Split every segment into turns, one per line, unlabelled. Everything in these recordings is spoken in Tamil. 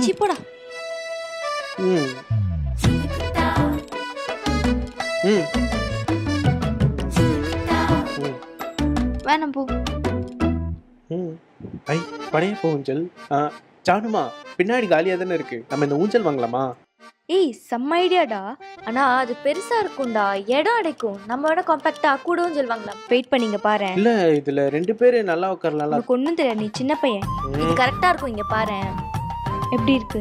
சீ போடா.
ம் ம்
வேணாம் போ.
ம் ஐ பழைய போ ஊஞ்சல். ஜானுமா பின்னாடி காலியாக தானே இருக்கு, நம்ம இந்த ஊஞ்சல் வாங்கலாமா?
ஏய் செம்ம ஐடியாடா. ஆனா அது பெருசா இருக்கும்டா, இடம் அடைக்கும். நம்ம விட காம்பாக்டா கூட ஊஞ்சல் வாங்கலாம். வெயிட் பண்ணிங்க பாரு.
இல்ல இதுல 2 பேரு நல்லா உட்காரலாம்.
உனக்கு ஒண்ணும் தெரியாது, நீ சின்ன பையன். இது கரெக்டா இருக்கும். இங்க பாரு எப்படி இருக்கு.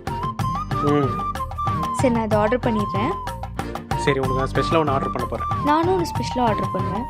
சரி நான் இதை ஆர்டர் பண்ணிடுறேன்.
சரி உனக்கு நான் ஸ்பெஷலாக ஒன்று ஆர்டர் பண்ண போறேன்.
நானும் ஒரு ஸ்பெஷலாக ஆர்டர் பண்ணுவேன்.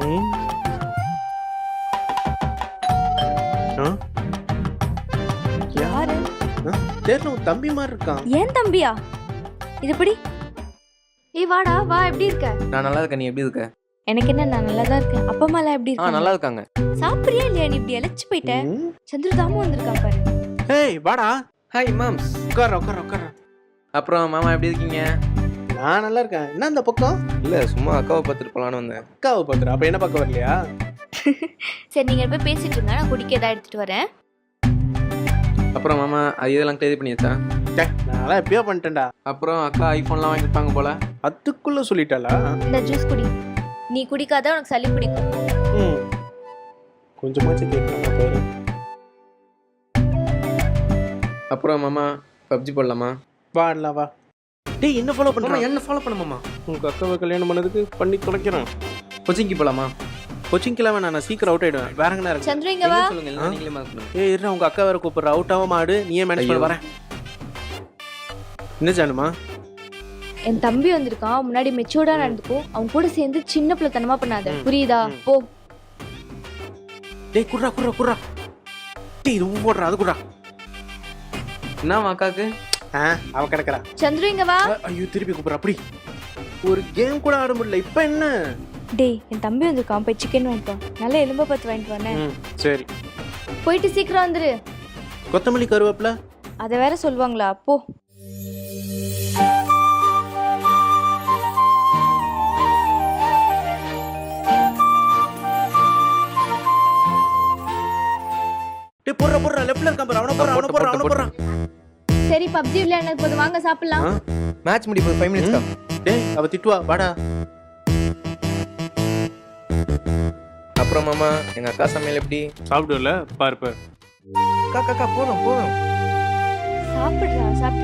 யாரு?
தெரியல, உன் தம்பி மாதிரி இருக்கான்.
ஏன் தம்பியா? இது எப்படி? ஏய் வாடா வா, எப்படி இருக்க?
நான் நல்லா இருக்கேன், நீ எப்படி இருக்க?
எனக்கு என்ன, நான் நல்லா தான் இருக்கேன். அப்பா அம்மா எல்லாம் எப்படி இருக்காங்க?
நல்லா இருக்காங்க.
சாப்பிடுறியா இல்லையா? நீ இப்படி இழைச்சு போயிட்ட. சந்திர தாமும் வந்திருக்கான் பாரு.
ஏய் வாடா.
ஹாய் மாம்ஸ்.
உட்கார.
அப்புறம் மாமா எப்படி இருக்கீங்க?
நான் நல்லா இருக்கேன். என்ன அந்த பக்கம்?
இல்ல சும்மா அக்காவை பார்த்துட்டு போலான்னு வந்தேன்.
அக்காவை பார்த்துரு, அப்ப என்ன பார்க்க வரலையா?
சரி நீங்க போய் பேசிட்டு இருங்க, நான் குடிக்க ஏதாவது எடுத்துட்டு வரேன்.
அப்புறம் மாமா அது இதெல்லாம் கிளியர் பண்ணியாச்சா?
நான் எப்பயோ பண்ணிட்டேன்டா.
அப்புறம் அக்கா ஐஃபோன்லாம் வாங்கிருப்பாங்க போல.
அதுக்குள்ள சொல்லிட்டாளா?
இந்த ஜூஸ் குடி. நீ குடிக்காத உனக்கு சளி பிடிக்கும்.
கொஞ்சமாச்சும் கேட்கலாம் பாரு.
அப்புறம் மாமா பப்ஜி போடலாமா?
வாடலாம் வா. டேய் என்ன ஃபாலோ
மாமா
பண்ணுறேன்?
என்ன ஃபாலோ பண்ண மாமா?
உங்க அக்காவை கல்யாணம் பண்ணதுக்கு பண்ணி தொலைக்கிறேன்.
கோச்சிங்க்கு போலாமா?
கோச்சிங்க்கெல்லாம் வேணாம், நான் சீக்கிரம் அவுட் ஆயிடுவேன். வேற எங்கன்னா இருக்கு.
சந்திர இங்க வா.
சொல்லுங்க, இல்ல நீங்களே மார்க் பண்ணுங்க.
ஏய் இருடா, உங்க அக்கா வேற கூப்பிடுற. அவுட் ஆகாம ஆடு, நீயே மேனேஜ் பண்ண. வரேன். என்ன ஜானுமா?
என் தம்பி வந்திருக்கான், முன்னாடி மெச்சூர்டா நடந்துக்கோ. அவன் கூட சேர்ந்து சின்ன பிள்ளைத்தனமா பண்ணாத, புரியுதா? போ.
டேய் குர்ரா. டேய் இது போடுறா, அது குர்ரா.
என்ன அக்காக்கு?
அவ கிடக்குறா.
சந்திர இங்க வா.
ஐயோ திருப்பி கூப்பிடுறா. அப்படி ஒரு கேம் கூட ஆட முடியல. இப்ப என்ன?
டேய் என் தம்பி வந்திருக்கான், போய் சிக்கன் வாங்கிட்டு வா. நல்ல எலும்ப பத்து வாங்கிட்டு வானே.
சரி
போயிட்டு சீக்கிரம் வந்துரு.
கொத்தமல்லி கருவேப்பிலை
அதை வேற சொல்லுவாங்களா? போ.
டேய் போடுறா லெஃப்ட்ல இருக்கான் பாரு. அவன போடுறா.
சரி பப்ஜி விளையாடுறது போது வாங்க சாப்பிடலாம்.
மேட்ச் முடிய போகுது, 5 minutes தான்.
டேய் அவ திட்டுவா, வாடா.
அப்புறம் மாமா எங்க அக்கா சமையல் எப்படி?
சாப்பிடுவல பாரு.
அக்கா போதும்.
சாப்பிடுறா, சாப்பிடு.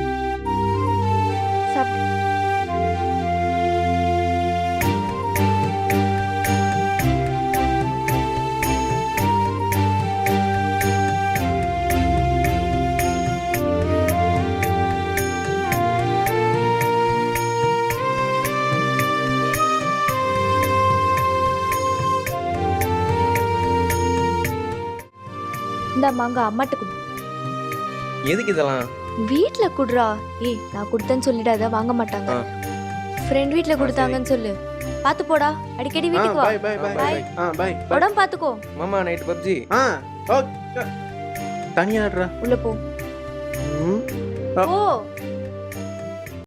இந்த மாங்க அம்மாட்ட குடு.
எதுக்கு இதெல்லாம்?
வீட்ல குடுறா. ஏய் நான் கொடுத்தேன்னு சொல்லிடாத, வாங்க மாட்டாங்க. ஃப்ரெண்ட் வீட்ல கொடுத்தாங்கன்னு சொல்லு. பாத்து போடா, அடிக்கடி வீட்டுக்கு வா.
பை.
உடம்பு பாத்துக்கோ.
மாமா நைட் பப்ஜி.
ஓகே. தனியா ஆடுறா.
உள்ள போ.
ம்
ஓ